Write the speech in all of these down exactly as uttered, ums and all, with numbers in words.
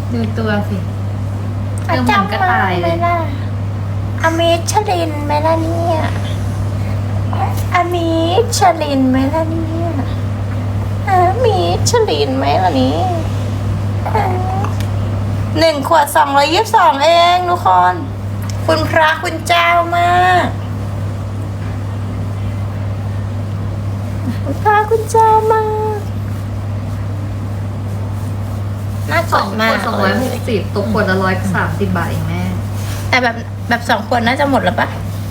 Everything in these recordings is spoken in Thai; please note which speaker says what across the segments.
Speaker 1: ดูตัวสิเออเหมือนกระต่ายเลย
Speaker 2: อมิชลินไหมล่ะเนี่ยอมิชลินไหมล่ะเนี่ยอมิชลินไหมล่ะนี่หนึ่งขวดสองร้อยยี่สิบสองเองทุกคนคุณพระคุณเจ้ามากคุณพระคุณเจ้ามากน่า
Speaker 1: ส
Speaker 2: ก
Speaker 1: อ
Speaker 2: ด
Speaker 1: ง
Speaker 2: มา
Speaker 1: ขว
Speaker 2: ก
Speaker 1: ดสองร้อยหกสิบตกขวดละร้อยสามสิบบาทเองแม่
Speaker 2: แต่แบบแบบสองขวดน่าจะหมดแล้วปะ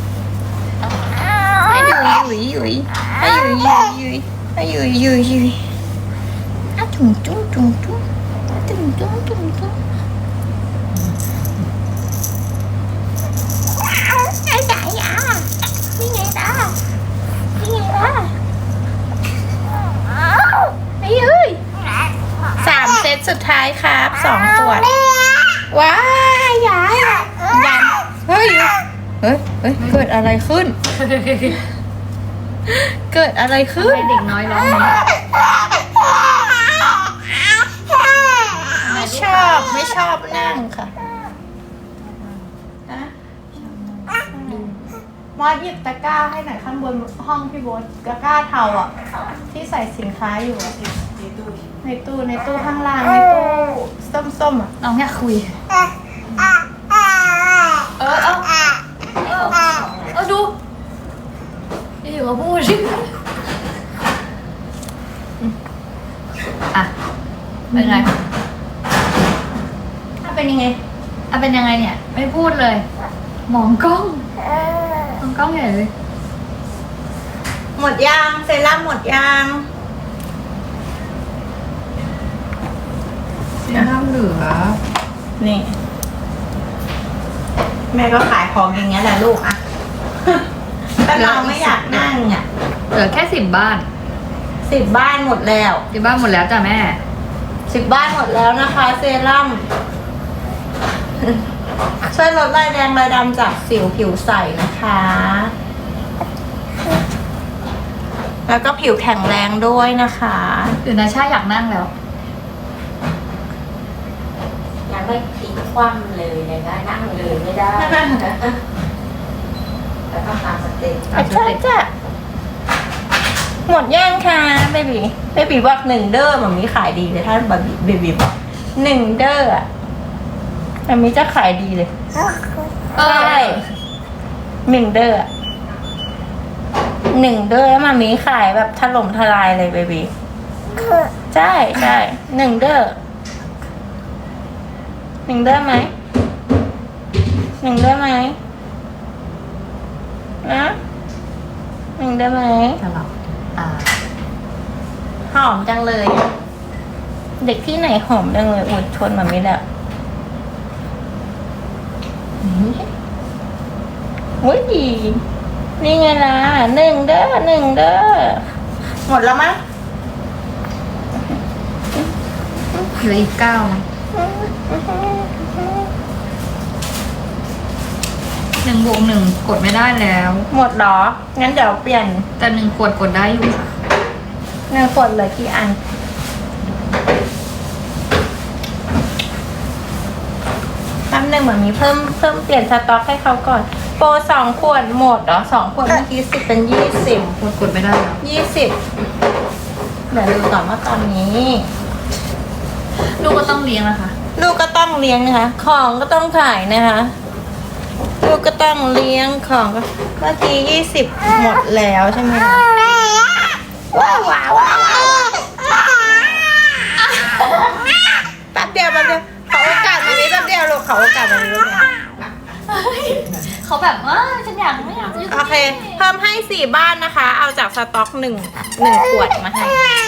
Speaker 2: ให้ยุยยุยยุยให้ยุยยุยยุยให้ยุยยุยยุยอ่ะจุ่มจุ่มจุ่มจุ่มจุ่มจุ่มจุ่มจุ่มไอ้สายอ่ะนี่ไงล่ะนี่ไงล่ะไอ้ยุยสามเซตสุดท้ายครับสองขวดว้ายยายยันเฮ้ยเฮ้ยเฮ้ยเกิดอะไรขึ้น เกิดอะไรขึ้น
Speaker 1: ให้เด็กน้อยร้องนี้
Speaker 2: ไม่ชอบไม่ชอบนั่งค่ะฮะมอสหยิบตะกร้าให้หน่อยข้างบนห้องพี่โบ๊ทตะกร้าเทาอ่ะ ที่ใส่สินค้าอยู่อะในตู้ในตู้ในตู้ข้างล่างในตู้ส้มๆอ่ะ
Speaker 1: น้องอยากคุย
Speaker 2: เออเอา
Speaker 1: เออเออดูอยู่กับพูดสิอ่ะเป็นไง
Speaker 2: ถ้าเป็นยังไง
Speaker 1: อ่ะเป็นยังไงเนี่ย ไม่พูดเลย มองกล้องมองกล้องใหญ่เลย
Speaker 2: หมดยางเซรั่มหมดยาง
Speaker 1: น้ำเหลือ
Speaker 2: นี่ แม่ก็ขายของอย่างเงี้ยแหละลูกอะ แต่เราไม่อยากนั่งอ่ะ
Speaker 1: เหลือแค่สิบบ้าน
Speaker 2: สิบบ้านหมดแล้ว
Speaker 1: สิบบ้านหมดแล้วจ้ะแม่
Speaker 2: สิบบ้านหมดแล้วนะคะ เซรั่ม ช่วยลดรายแดงรายดำจากสิวผิวใสนะคะ แล้วก็ผิวแข็งแรงด้วยนะคะ
Speaker 1: เดี๋ยวนาชาอยากนั่งแล้ว
Speaker 3: ยังไม่พลิกคว่ำเลยเลยนะนั่งเลยไม่ได้นะแต่ต้องตามสเต็ป
Speaker 1: ตามส
Speaker 2: ใช่
Speaker 1: เต็ป
Speaker 2: จ้ะหมดย่างค่ะเบบีเบบีบอกหนึ่งเด้อมันมีขายดีเลยถ้าเบบีเบบีบอกหนึ่งเด้ออะมันมีจะขายดีเลย
Speaker 1: เอ
Speaker 2: ใช่
Speaker 1: อ
Speaker 2: หนึ่งเด้ออะหนึ่งเด้อแล้วมันมีขายแบบถล่มทลายเลยเบบีใช่ใช่หนึ่งเด้อหนึ่งเด้อไหมหนึ่งเด้อไหมนะหนึ่งเด้อไหม
Speaker 1: ตลอดอ่า
Speaker 2: หอมจังเลยอะเด็กที่ไหนหอมจังเลยอดชนมันไม่ได้อุ้ยดีนี่ไงล่ะหนึ่งเด้อหนึ่งเด้อหมดแล้วมั้ง
Speaker 1: เหลืออีกเก้านะหนึ่งบวกหนึ่งกดไม่ได้แล้ว
Speaker 2: หมดเหรองั้นเดี๋ยวเปลี่ยน
Speaker 1: แต่หนึ่งขวดกดได้อยู่ค่ะ
Speaker 2: หนึ่งกดเลยกี่อันแป๊บหนึ่งเหมือนมีเพิ่มเพิ่มเปลี่ยนสต็อกให้เขาก่อนโปรสองขวดหมดเหรอสองขวดเมื่อกี้สิบเป็นยี่สิบ
Speaker 1: กดกดไม่ได้แล้ว
Speaker 2: ยี่สิบเดี๋ยวดูก่อนว่าตอนนี้
Speaker 1: ลูกก็ต้องเลี้ยงนะคะ
Speaker 2: ลูกก็ต้องเลี้ยงนะคะ ของก็ต้องขายนะคะ ลูกก็ต้องเลี้ยงของก็เมื่อกี้ยี่สิบหมดแล้วใช่ไหมคะว้าวว้าวว้าวว้าวแป๊บเดียวแป๊บเดียวขอโอกาสมานี้แป๊บเดียวลูกขอโอกาสมานี้ลูกนะ
Speaker 1: เขาแบบว่าฉันอยากไม่อยากจะอยู่
Speaker 2: โอเค เพิ่มให้สี่บ้านนะคะ เอาจากสต็อกหนึ่งหนึ่งขวดมาให้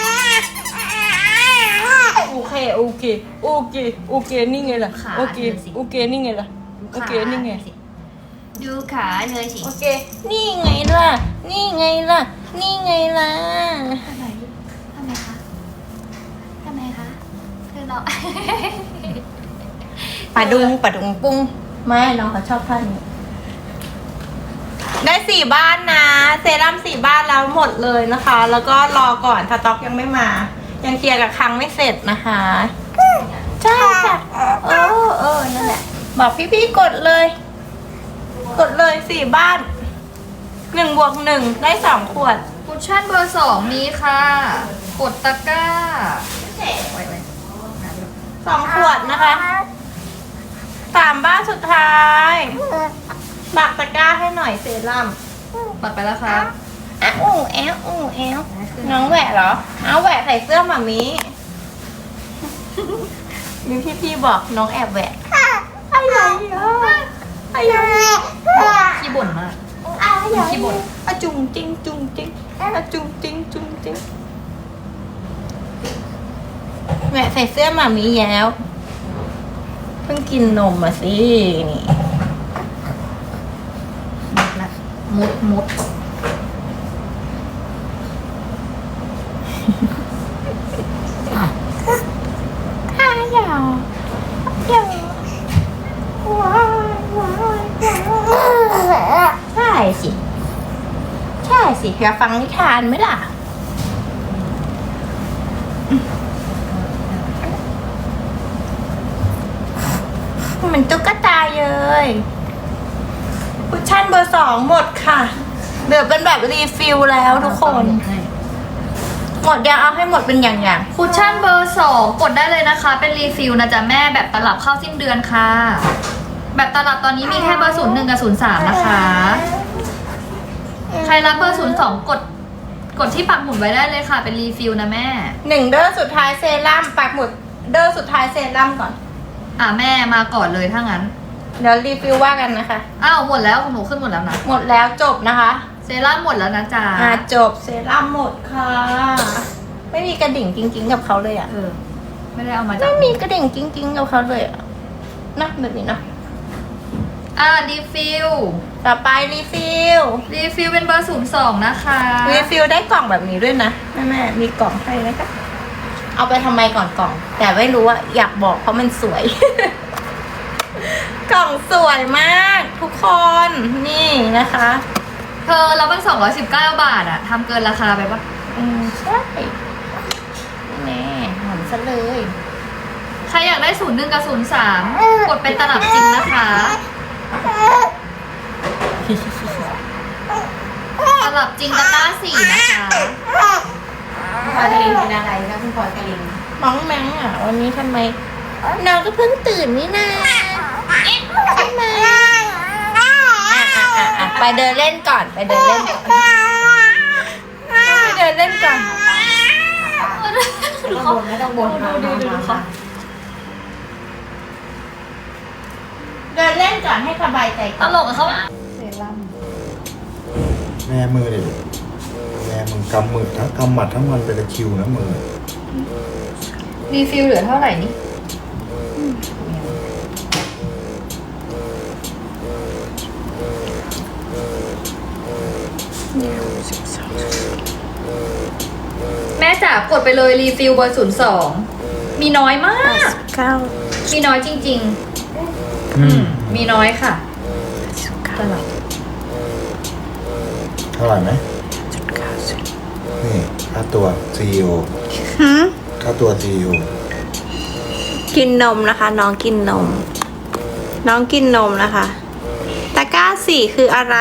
Speaker 2: โอเคโอเคโอเคโอเคนี่ไงล่ะโอเคโอเคนี่ไงล่ะโอเคนี่ไง
Speaker 1: ดูขาเลยสิ
Speaker 2: โอเค นี่ไงล่ะ นี่ไงล่ะ นี่ไงล่ะ
Speaker 1: ทำไมทำไมคะทำไมคะคือเรา
Speaker 2: ปะดุงปะดุงปุ้งไม่น้องเขาชอบท่านี้ ได้สี่บ้านนะ เซรั่มสี่บ้านแล้วหมดเลยนะคะ แล้วก็รอก่อนสต็อกยังไม่มา ยังเคลียร์กับครั้งไม่เสร็จนะคะ ใช่จ้ะโอบอกพี่ๆกดเลย กดเลยสี่บ้านหนึ่งบวกหนึ่งได้สองขวด
Speaker 1: คุชชั่นเบอร์สองมีค่ะ กดตะกร้าไว้ไว้
Speaker 2: สองขวดนะคะสามบ้านสุดท้ายบักตะกร้าให้หน่อยเซรั่ม
Speaker 1: ปัดไปแล้วครับ
Speaker 2: อ่ะอู้แอลอู้แอลน้องแหวะเหรอเอาแหวะใส่เสื้อหมามีมีพี่ๆบอกน้องแอบแหวะอะไรอ่ะอะไร
Speaker 1: ขี้บ่นมาก
Speaker 2: อะไร
Speaker 1: ขี้บ่น
Speaker 2: อะจุงจริงจุงจริงอะจุงจริงจุงจริงแหวะใส่เสื้อหมามีแล้วเพิ่งกินนมมาสินี่
Speaker 1: มุดละมุดมุด
Speaker 2: อ้าวเดี๋ยวเดี๋ยวว้ายว้ายว้ายใช่สิ ใช่สิอยากฟังนิทานไหมล่ะ มันตุ๊กตาเลยคุชชั่นเบอร์สองหมดค่ะเหลือเป็นแบบรีฟิลแล้วทุกคน หมดยังเอาให้หมดเป็นอย่าง
Speaker 1: คุชชั่นเบอร์สองกดได้เลยนะคะ เป็นรีฟิลนะจ๊ะแม่แบบตลับเข้าสิ้นเดือนค่ะ แบบตลับตอนนี้มีแค่เบอร์ศูนย์หนึ่งกับศูนย์สามนะคะ ใครรับเบอร์ศูนย์สองกด กดที่ปักหมุดไว้ได้เลยค่ะ เป็นรีฟิลนะแม่
Speaker 2: หนึ่งเดอร์สุดท้ายเซรั่มปักหมุดเดอร์สุดท้ายเซรั่มก่อน
Speaker 1: อ่ะแม่มาก่อนเลยถ้างั้น
Speaker 2: เดี๋ยวรีฟิลว่ากันนะคะ
Speaker 1: อ้าวหมดแล้วของหนูขึ้นหมดแล้วนะ
Speaker 2: หมดแล้วจบนะคะ
Speaker 1: เซรั่มหมดแล้วนะจ๊ะ
Speaker 2: อ่าจบเซรั่มหมดค่ะ ไม่มีกระดิ่งจริงๆกับเขาเลยอ่ะ
Speaker 1: เออ ไม่ได้เอามาจาก
Speaker 2: ไม่มีกระดิ่งจริงๆกับเขาเลยอ่ะนะแบบนี้นะ
Speaker 1: อ่ะรีฟิล
Speaker 2: ต่อไปรีฟิล
Speaker 1: รีฟิลเป็นเบอร์ศูนย์สองนะคะ
Speaker 2: รีฟิลได้กล่องแบบนี้ด้วยนะแม่แม่มีกล่องให้นะคะเอาไปทำไมก่อนกล่อง แต่ไม่รู้อะอยากบอกเพราะมันสวย กล่องสวยมากทุกคนนี่นะคะ
Speaker 1: เธอแล้วมันสองร้อยสิบเก้าบาทอะทำเกินราคาไปปะ
Speaker 2: อืมใช่แน่หอมซะเลย
Speaker 1: ใครอยากได้ศูนย์หนึ่งกับศูนย์สามกดเป็นตลับจริงนะคะ ตลับจริงตะกร้าสี่นะคะ
Speaker 3: พลอยกลินเป็นอะไรคะคุณพลอยกลิน
Speaker 2: น้องแมงอ่ะวันนี้ทำไมน้องก็เพิ่งตื่นนี่นาใช่ไหมอ่ะอ่ะอ่ะอ่ะไปเดินเล่นก่อนไปเดินเล่นก่อนไปเดินเล่นก่อน
Speaker 3: ไม่ต้องบ่นไม่ต้องบ่นมามามามา
Speaker 2: เดินเล่นก่อนให้สบายใจ
Speaker 1: ต
Speaker 2: ก่อน
Speaker 1: ลกกับเขา
Speaker 4: แม่มือเลยแม่มึงกำมือทั้งกำหมัดทั้งวันเป็นตะคริวนะมือ
Speaker 1: รีฟิลเหลือเท่าไหร่นี่แม่จ๋ากดไปเลยรีฟิลเบอร์ศูนย์สองมีน้อยมาก
Speaker 2: เก้า
Speaker 1: มีน้อยจริง
Speaker 4: อืม
Speaker 1: ๆ มีน้อยค่ะตลับ
Speaker 4: เท่าไหร่ไหมนี่ค่าตัว ซี อี โอ
Speaker 2: หืม
Speaker 4: ค่าตัว ซี อี โอ
Speaker 2: กินนมนะคะ น้องกินนม น้องกินนมนะคะตะกร้าสี่คืออะไร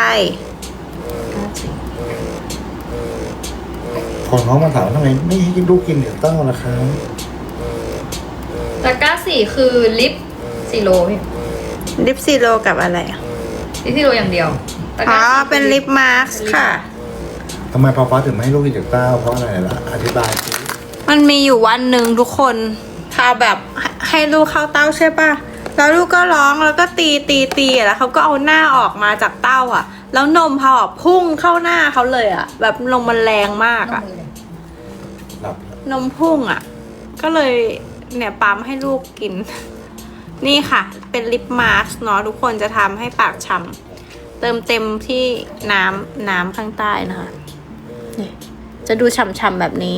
Speaker 4: คนเขามาถามทำไมไม่ให้ลูกกินเดี๋ยวเต้าล่ะครับ
Speaker 1: ตะกร้าสี่คือลิปซีโร่พี่
Speaker 2: ลิปซีโรกับอะไรอ่ะ
Speaker 1: ลิปซีโร่อย่างเดียวตะก
Speaker 2: อ๋อ
Speaker 1: ร้าสี่
Speaker 2: เป็นลิปมาร์คค่ะ
Speaker 4: ทำไมพอฟ้าถึงไม่ให้ลูกกินเดี๋ยวเต้าเพราะอะไรล่ะอธิบายสิ
Speaker 2: มันมีอยู่วันหนึ่งทุกคนพาแบบให้ลูกเข้าเต้าใช่ป่ะ แล้วลูกก็ร้องแล้วก็ตีตีตีแล้วเขาก็เอาหน้าออกมาจากเต้าอ่ะ แล้วนมพอพุ่งเข้าหน้าเขาเลยอ่ะ แบบนมมันแรงมากอ่ะ
Speaker 4: หลับ
Speaker 2: นมพุ่งอ่ะ ก็เลยเนี่ยปั๊มให้ลูกกิน นี่ค่ะ เป็นลิปมาสก์เนาะทุกคนจะทำให้ปากฉ่ำเติมเต็มที่น้ำน้ำข้างใต้นะคะนี่จะดูฉ่ำๆแบบนี้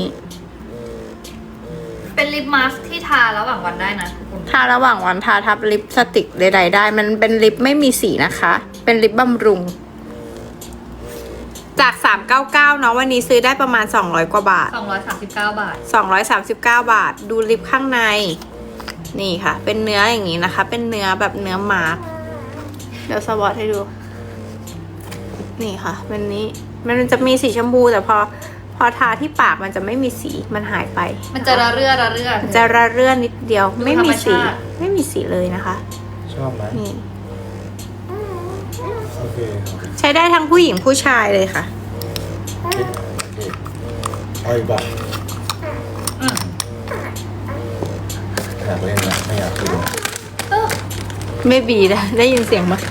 Speaker 1: เป็นลิปมาสก์ที่ทาระหว่างวันได้นะทุกคน
Speaker 2: ทาระหว่างวันทาทับลิปสติกใดๆได้ มันเป็นลิปไม่มีสีนะคะ เป็นลิปบำรุง จากสามร้อยเก้าสิบเก้าเนาะวันนี้ซื้อได้ประมาณสองร้อยกว่าบาท
Speaker 1: สองร้อยสามสิบเก้าบาท
Speaker 2: สองร้อยสามสิบเก้าบาท ดูลิปข้างในนี่ค่ะ เป็นเนื้ออย่างนี้นะคะ เป็นเนื้อแบบเนื้อหมาเดี๋ยวสวอตให้ดู นี่ค่ะเป็นนี้มันจะมีสีชมพูแต่พอพอทาที่ปากมันจะไม่มีสีมันหายไป
Speaker 1: มันจะระเรื่อระเรื่อ
Speaker 2: จะระเรื่อนิดเดียว
Speaker 1: ดู
Speaker 2: ไม่มีสี
Speaker 1: ธรรมชาติ
Speaker 2: ไม่มีสีเลยนะคะ
Speaker 4: ชอบไหม
Speaker 2: นี่
Speaker 4: โอเค
Speaker 2: ใช้ได้ทั้งผู้หญิงผู้ชายเลยค่ะ
Speaker 4: โอเคเอาอีกบ้าง
Speaker 1: อืม
Speaker 4: อยากเล่นนะไม่อยากกิน
Speaker 1: เออ
Speaker 2: ไม่บีนะได้ยินเสียงไหม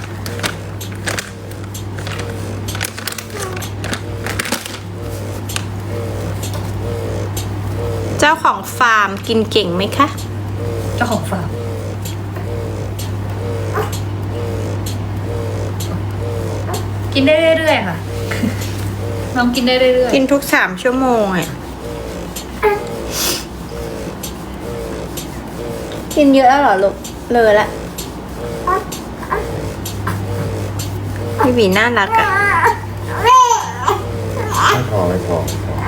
Speaker 2: เจ้าของฟาร์มกินเก่งไหมคะ
Speaker 1: เจ้าของฟาร์มกินได้เรื่อยๆค่ะ น้องกินได้เรื่อย
Speaker 2: กินทุกสามชั่วโมงอ่ะกินเยอะแล้วเหรอลูกเลยละพี่บีน่ารักอ่ะ
Speaker 4: ไม่พอไม่พอ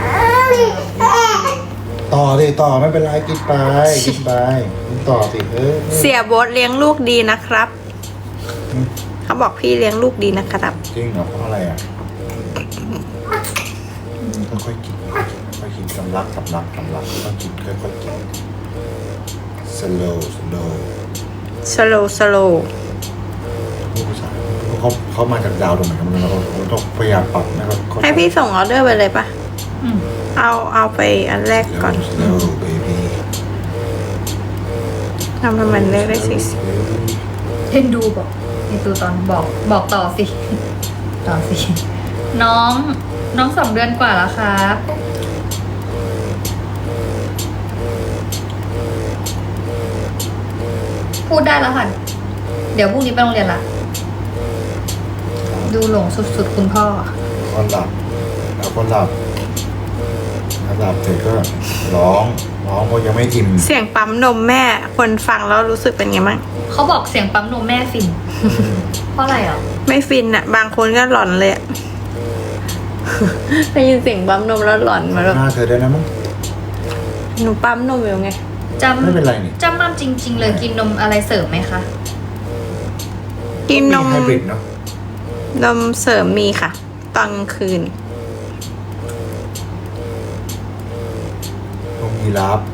Speaker 4: ต่อดิต่อไม่เป็นไรกินไปกินไปกินต่อสิเออ
Speaker 2: เสียโบ๊ทเลี้ยงลูกดีนะครับ เขาบอกพี่เลี้ยงลูกดีนะครับ
Speaker 4: จริงเหรอเพราะอะไรอ่ะค่อยๆกินค่อยๆกินกำลังกำลังกำลังค่อยๆกินค่อยๆกิน slow slow
Speaker 2: สโลสโล
Speaker 4: ผู้ภาษาเขาเขามาจากดาวตรงไหนกันไม่รู้เราเราต้องพยายามปรับนะครับ
Speaker 2: ให้พี่ส่งออเดอร์ไปเลยปะ
Speaker 1: ๆอืม
Speaker 2: เอาเอาไปอันแรกก่อน
Speaker 4: slow baby
Speaker 2: ทำให้มันเล็กได้สิ
Speaker 1: เล่นดูบอกเล่นดูตอนบอกบอกต่อสิ ต่อสิ น้องน้องสองเดือนกว่าแล้วครับ พูดได้แล้วค่ะ เดี๋ยวพรุ่งนี้ไปโรงเรียนละ ดูหลงสุดๆคุณพ่อ
Speaker 4: คนหลับแล้วคนหลับแล้วหลับเสร็จก็ร้องร้องเพราะยังไม่อิ่ม
Speaker 2: เสียงปั๊มนมแม่ คนฟังแล้วรู้สึกเป็นไงบ้าง
Speaker 1: เขาบอกเสียงปั๊มนมแม่ฟิน เพราะอะไรอ่ะ
Speaker 2: ไม่ฟินอะบางคนก็หลอนเลยอะ ได้ยินเสียงปั๊มนมแล้วหลอนมาแบบ
Speaker 4: หน้าเธอได้นะมั้ง
Speaker 2: หนูปั๊มนมอยู่ไง
Speaker 1: จ
Speaker 4: ไม่เป็นไรนี่
Speaker 1: ำจำมั่มจริง ๆ เลยกินนมอะไรเสริมไหมคะ
Speaker 2: กินนม
Speaker 4: ไฮบริดเนาะ
Speaker 2: นมเสริมมีค่ะ ตอนกลางคืน
Speaker 4: นมยีราฟ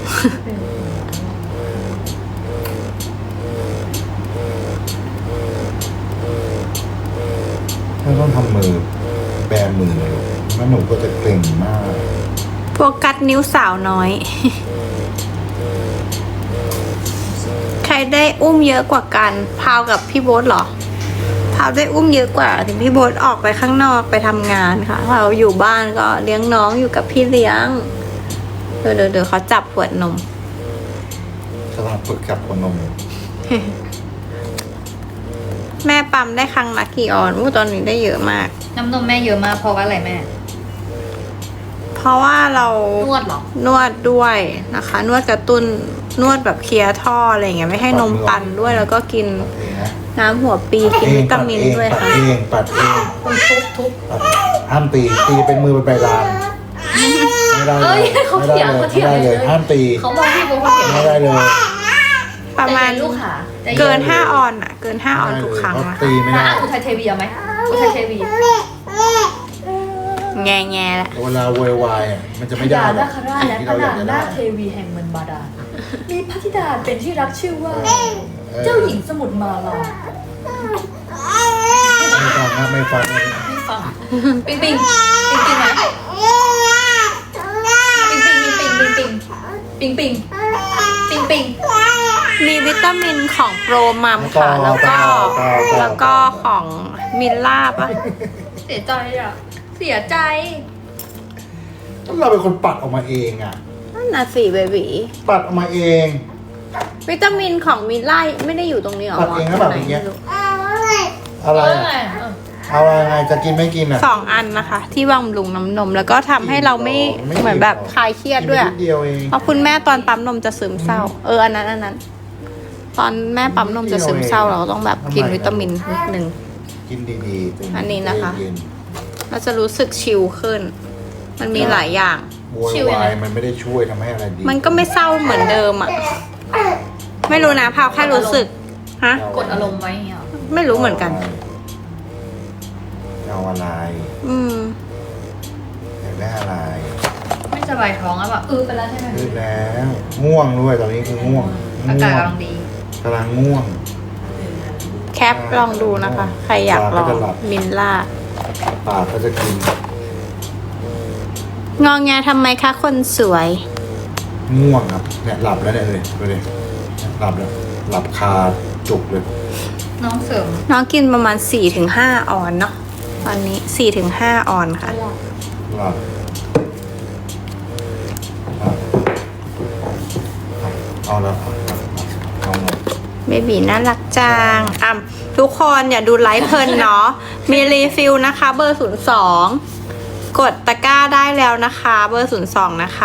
Speaker 4: ไม่ต้องทำมือแบมือเลยลูกแล้วหนูก็จะเกร็งมาก
Speaker 2: โฟกัสนิ้วสาวน้อย ใครได้อุ้มเยอะกว่ากัน พาวกับพี่โบ๊ทเหรอ พาวได้อุ้มเยอะกว่าถึงพี่โบ๊ทออกไปข้างนอกไปทำงานค่ะเราอยู่บ้านก็เลี้ยงน้องอยู่กับพี่เลี้ยง เดี๋ยวเดี๋ยวเดี๋ยวเขาจับขวดนม
Speaker 4: กำลังฝึกจับหัวนมอยู่
Speaker 2: แม่ปั๊มได้ครั้งละกี่ออนอู้ตอนนี้ได้เยอะมาก
Speaker 1: น้ำนมแม่เยอะมากเพราะว่าอะไรแม่
Speaker 2: เพราะว่าเรา
Speaker 1: นวดเหรอ
Speaker 2: นวดด้วยนะคะ นวดกระตุ้นนวดแบบเคลียร์ท่ออะไรอย่างเงี้ยไม่ให้นมตันด้วยแล้วก็กิน
Speaker 4: ปัดเองนะ
Speaker 2: น้ำหัวปีกินวิตามินด้วย
Speaker 4: ปัด
Speaker 2: ค่ะ
Speaker 4: เองปัดเอง
Speaker 1: คุณทุบทุบ
Speaker 4: ปัดห้ามตีตีเป็นมือเป็นใบลานไม่ได้เล
Speaker 1: เอ้
Speaker 4: ย
Speaker 1: ยเขา
Speaker 4: ไม่
Speaker 1: เถี
Speaker 4: ได้
Speaker 1: ยง
Speaker 4: เลย
Speaker 1: เขาเถี
Speaker 4: ไม่
Speaker 1: ยง
Speaker 4: ได้เลย
Speaker 1: เลย
Speaker 4: ห้ามตี
Speaker 1: เขาบอกพี่เป็นคนเถียง
Speaker 4: ไม่ได้เลย
Speaker 2: ประมาณ
Speaker 1: ใจเย็นลูกค่ะใจย็
Speaker 2: เกินห้าออนอ่ะ เกินห้าออนทุกครั้ง
Speaker 4: เขา
Speaker 2: อะ
Speaker 4: ตีไม่
Speaker 1: นะ
Speaker 4: ได้
Speaker 1: อุทัยเทวีเอาไหมอุทัยเทวี
Speaker 2: แง่แง่ละ
Speaker 4: เวลาโวยวายอ่ะมันจะไม่ได้หรอก
Speaker 1: คราชและ
Speaker 4: ที่
Speaker 1: พ
Speaker 4: เราอ
Speaker 1: ระ
Speaker 4: ยากจะ
Speaker 1: นา
Speaker 4: ได้
Speaker 1: คเทวีแห่งเมืองบาดาลมีพระธิดาเป็นที่รักชื่อว่า
Speaker 4: เออ
Speaker 1: เจ้าหญิงสมุทรมาลา
Speaker 4: ไม่ฟังนะไม่ฟังเลย
Speaker 1: ไม่ฟังปิงปิงปิงปิงไหมปิงปิงปิงปิงปิงปิงปิงปิงปิง
Speaker 2: มีวิตามินของโปรมัมค่ะ แล้วก็แล้วก็ของมิลล่าปะ
Speaker 1: เสียใจอ่ะ เสียใจ
Speaker 4: เราเป็นคนปัดออกมาเองอ่ะ
Speaker 2: นั่นน่ะสิเบบี
Speaker 4: ปัดออกมาเอง
Speaker 2: วิตามินของมิลล่าไม่ได้อยู่ตรงนี้หรอ
Speaker 4: ปัดเองหรือเปล่า
Speaker 2: ไหน
Speaker 4: อย่างเงี้ย
Speaker 2: ไม่รู้
Speaker 4: อะไร
Speaker 1: เออ
Speaker 4: อะ
Speaker 1: ไงเออ
Speaker 4: เอาอะไรไงจะกินไม่กินอ่ะ
Speaker 2: สองอันนะคะ ที่บำรุงน้ำนมแล้วก็ทำให้เราไม่
Speaker 4: ไม่
Speaker 2: เหมือนแบบคลายเครียดด้วย
Speaker 4: กิน
Speaker 2: อะ
Speaker 4: นิดเดียวเอง
Speaker 2: เพราะคุณแม่ตอนปั๊มนมจะซึมเศร้า เอออันนั้นอันนั้น ตอนแม่ปั๊มนมจะซึมเศร้าเราก็ต้องแบบกินวิตามินนิดนึง
Speaker 4: กินดีๆตื่
Speaker 2: อันนี้นะคะ
Speaker 4: เย็น
Speaker 2: เราจะรู้สึกชิลขึ้น มันมีหลายอย่าง
Speaker 4: ๆโวยวายมันไม่ได้ช่วยทำให้อะไรดี
Speaker 2: มันก็ไม่เศร้าเหมือนเดิมอ่ะไม่รู้นะพาวแค่รู้สึกฮะ
Speaker 1: กดอารมณ์ไว้อย่างเงี้ยเหรอ
Speaker 2: ไม่รู้เหมือนกัน
Speaker 4: เอาอะไร
Speaker 2: อืม
Speaker 4: อยากได้อะไร
Speaker 1: ไม่สบายท้องแล้วแบบเออไปแล้วใช่ไหม
Speaker 4: ลืมแล้วง่วงด้วยตอนนี้คือง่วง
Speaker 1: อากาศกำลังดี
Speaker 4: กำลังง่วง
Speaker 2: แคปลองดูนะคะ ใครอยากลองมินล่า
Speaker 4: ปากก็จะกิน
Speaker 2: งองแงทำไมคะคนสวย
Speaker 4: ง่วงครับเนี่ยหลับแล้วเนี่ยเลยดูดิหลับแล้วหลับคาจุกเลย
Speaker 1: น้องเสริม
Speaker 2: น้องกินประมาณ สี่ถึงห้า ออนเนาะตอนนี้ สี่ถึงห้า ออนค่ะ
Speaker 4: หลับหลับเอาแล้วเอาแล้วเอาแล้ว
Speaker 2: เบบีน่ารักจังอ่ะทุกคนอย่าดูไลฟ์เพลินเนาะ มีรีฟิลนะคะ เบอร์ ศูนย์ สอง กดตะกร้าได้แล้วนะคะ เบอร์ ศูนย์ สอง นะคะ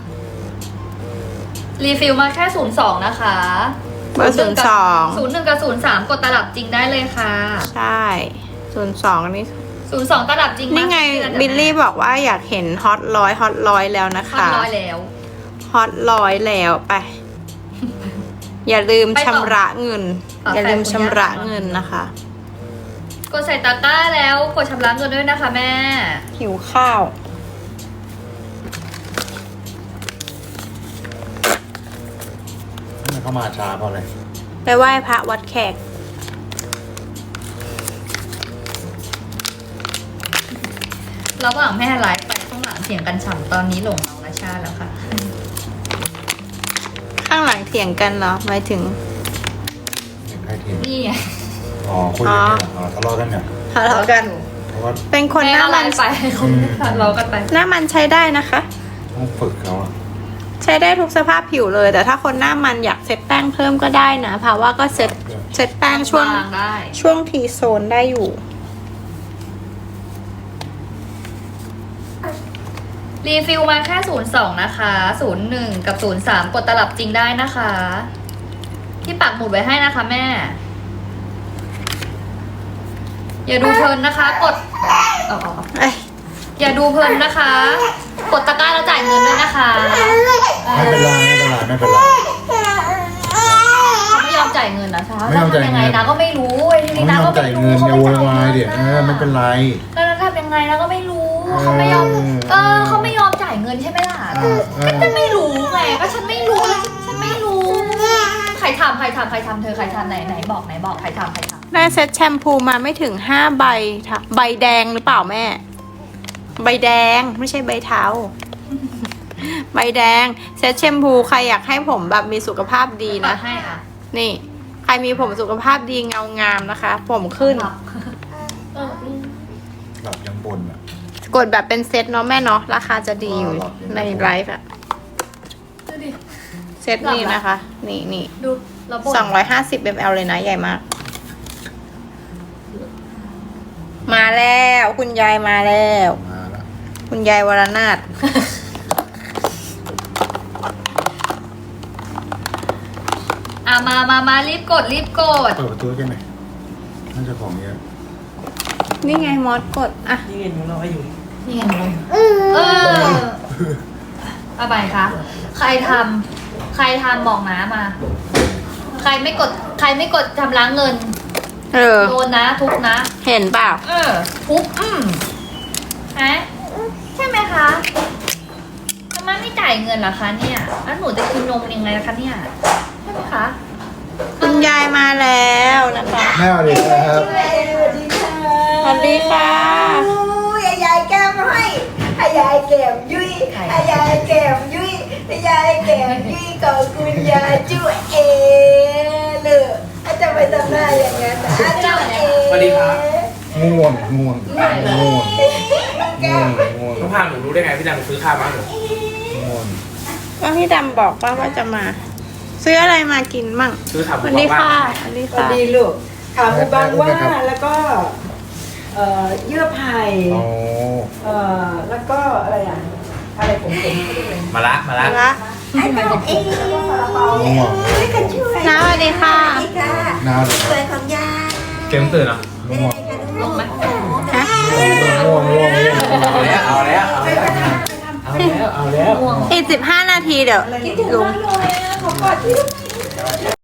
Speaker 1: รีฟิลมาแค่ศูนย์สองนะคะ
Speaker 2: เบอร์ ศูนย์ สอง
Speaker 1: ศูนย์หนึ่งกับศูนย์สามกดตลับจริงได้เลยค่ะ
Speaker 2: ใช่ ศูนย์ สอง นี่
Speaker 1: ศูนย์สองตลับจริง
Speaker 2: นี่ไง บิลลี่บอกว่าอยากเห็นฮอตร้อยฮอตร้อยแล้วนะ
Speaker 1: พัน
Speaker 2: คะ
Speaker 1: ร้อยแล้ว
Speaker 2: ฮอตร้อยแล้วไป อย่าลืม
Speaker 1: ไปต่อ
Speaker 2: ชำระเงิน
Speaker 1: ฝาแฝด
Speaker 2: อย่าลืม
Speaker 1: คุณ
Speaker 2: ชำระ
Speaker 1: ย่า
Speaker 2: เงินนะคะ
Speaker 1: กดใส่ตะกร้าแล้วกดชำระเงินด้วยนะคะแม่
Speaker 2: หิวข้าว
Speaker 4: ทำไมเข้ามาช้าเพราะอะไร
Speaker 2: ไปไหว้พระวัดแขก
Speaker 1: ระหว่างแม่ไลฟ์ไปข้างหลังเสียงกันฉ่ำตอนนี้หลงน้องนาชาแล้วค่ะ
Speaker 2: ข้างหลังเถียงกันเหรอหมายถึง
Speaker 4: เด็กใครทีม
Speaker 1: นี่ไง
Speaker 4: อ๋อคุยกันเนี่ยอ๋อทะเลาะกันเนี่ย
Speaker 2: ทะเลาะกัน
Speaker 4: เพราะว่า
Speaker 2: เป็นคนหน้า
Speaker 1: แไล
Speaker 2: มัน
Speaker 1: ฟ์ไปคนทะเลาะกันไป
Speaker 2: หน้ามันใช้ได้นะคะ
Speaker 4: ต้องฝึกเขาอะ
Speaker 2: ใช้ได้ทุกสภาพผิวเลย แต่ถ้าคนหน้ามันอยากเซ็ตแป้งเพิ่มก็ได้นะเพราะว่าก็เซ็ตเซ็ตแป้งช่วง
Speaker 1: บางได้
Speaker 2: ช่วงทีโซนได้อยู่
Speaker 1: รีฟิลมาแค่ศูนย์สองนะคะศูนย์หนึ่งกับศูนย์สามกดตลับจริงได้นะคะ ที่ปักหมุดไว้ให้นะคะแม่ อย่าดูเพลินนะคะ กดอ๋อ
Speaker 2: เอ้ย
Speaker 1: อย่าดูเพลินนะคะ กดตะกร้าแล้วจ่ายเงินด้วยนะคะ
Speaker 4: ไม่เป็นไรไม่เป็นไรไม่เป็นไร
Speaker 1: เขาไม่ยอมจ่ายเงินนะคะ
Speaker 4: ไม่ยอมจ่าย
Speaker 1: ทำยัง
Speaker 4: เงิ
Speaker 1: ไง
Speaker 4: น
Speaker 1: นะก็ไม่รู้ไอ้ที
Speaker 4: เขา
Speaker 1: นี้
Speaker 4: ไม่
Speaker 1: นะ
Speaker 4: ยอ
Speaker 1: ก็
Speaker 4: มจ่าย
Speaker 1: ไม่
Speaker 4: เงิ
Speaker 1: รู้
Speaker 4: น
Speaker 1: เขา
Speaker 4: อย่า
Speaker 1: ไม่
Speaker 4: โว
Speaker 1: จ่าย
Speaker 4: ยวาย
Speaker 1: เงิ
Speaker 4: เดี๋ยวเออไม่เป็นไร
Speaker 1: แล้วทำยังไงนะก็ไม่รู้ เขาไม่ยอม เออเขาไม่ยอมจ่ายเงินใช่ไหมล่ะ
Speaker 4: เออเออ
Speaker 1: ก็ฉันไม่รู้ไงก็ฉันไม่รู้แล้วฉันฉันไม่รู้ ใครทำใครทำใครทำเธอใครทำไหนไหนบอกไหนบอกใครทำใครทำ
Speaker 2: ได้เซ็ตแชมพูมาไม่ถึงห้าใบค่ะใบแดงหรือเปล่าแม่ ใบแดงไม่ใช่ใบเทา ใบแดงเซ็ตแชมพูใครอยากให้ผมแบบมีสุขภาพดี
Speaker 1: นะ
Speaker 2: นะ
Speaker 1: ให้อ่ะ
Speaker 2: นี่ ใครมีผมสุขภาพดีเงางามนะคะ ผมขึ้น
Speaker 1: หลับเออ
Speaker 4: หลับยังบนอ่ะ
Speaker 2: กดแบบเป็นเซ็ตเนาะแม่เนาะราคาจะดีอยู่
Speaker 4: อ๋อหรอ
Speaker 2: ในไลฟ์อะ
Speaker 1: ดูดิ
Speaker 2: เซ็ตนี้นะคะ นี่นี่
Speaker 1: ดูเราบ่น
Speaker 2: สองร้อยห้าสิบมลเลยนะใหญ่มาก มาแล้วคุณยายมาแล้ว
Speaker 4: มาแล้ว
Speaker 2: คุณยายวรนาถ
Speaker 1: อ่ะมามามารีบกดรีบกด
Speaker 4: เปิดประตูกันหน่อยน่าจะของเยอะ
Speaker 2: นี่ไงมอสกดอ่ะ
Speaker 1: นี่ไงเลยเอออะไรคะใครทำใครทำบอกนะมา ใครไม่กด ใครไม่กดชำระเงิน
Speaker 2: เออ
Speaker 1: โดนนะทุกนะ
Speaker 2: เห็นเปล่า
Speaker 1: เออทุบอืมฮะใช่ไหมคะทำไมไม่จ่ายเงินล่ะคะเนี่ย แล้วหนูจะกินนมยังไงล่ะคะเนี่ย ใช่ไหมคะ
Speaker 2: คุณยายมาแล้วนะคะ
Speaker 4: แม่สวัสดีครับ
Speaker 2: สวัสดีค่ะ
Speaker 5: ยายยายแก้มให้ให้ยายแก้มยุ้ยให้ยายแก้มยุ้ยให้ยายแก้มยุ้ยขอบคุณยายจุ๊เอเลยอาจจะไปทำหน้าอย่างนั้นนะอาจุ๊เอ
Speaker 6: สวัสดีครับ
Speaker 4: ง่วงง่วงง่วงง่วงง่วง
Speaker 6: น้องพามหนูรู้ได้ไงพี่ดังซื้อข้าวมาหนู
Speaker 4: ง่วง
Speaker 2: ก็พี่ดำบอกว่าว่าจะมา ซื้ออะไรมากินมั่ง
Speaker 6: ซื้อถาม
Speaker 2: ส
Speaker 6: ผม
Speaker 2: วัสดี
Speaker 6: ว่า
Speaker 2: ค่ะสวัสดี
Speaker 5: สวัส
Speaker 2: ค่ะ
Speaker 5: ดีลูกขาหมูบางว่าแล้วก็เอ่อเยื่อไผ่
Speaker 4: โอ้
Speaker 5: เอ่อแล้วก็อะไรอ่ะอะไรผมผมเขาเรียกอะไร
Speaker 6: มาละมาละ
Speaker 2: ละ
Speaker 5: ไอ้น้องเองซาลาเปา
Speaker 4: ง่วง
Speaker 5: ไม่กันช่วย
Speaker 2: น้าสวัสดีค่ะ
Speaker 5: สวัสดีค่ะ
Speaker 4: น่าเลย
Speaker 5: สวยของยาย
Speaker 6: เกมตื่นเหรอ
Speaker 4: ง่วง
Speaker 1: ลงไหม
Speaker 2: ฮะ
Speaker 4: ง่วงง่วงง่วง
Speaker 6: เอาแล้วเอาแล้วเอาแล้วเอาแล้วเอาแล้ว
Speaker 2: อีกสิบห้านาทีเดี๋ยวลุง
Speaker 5: เลยขอกอดที่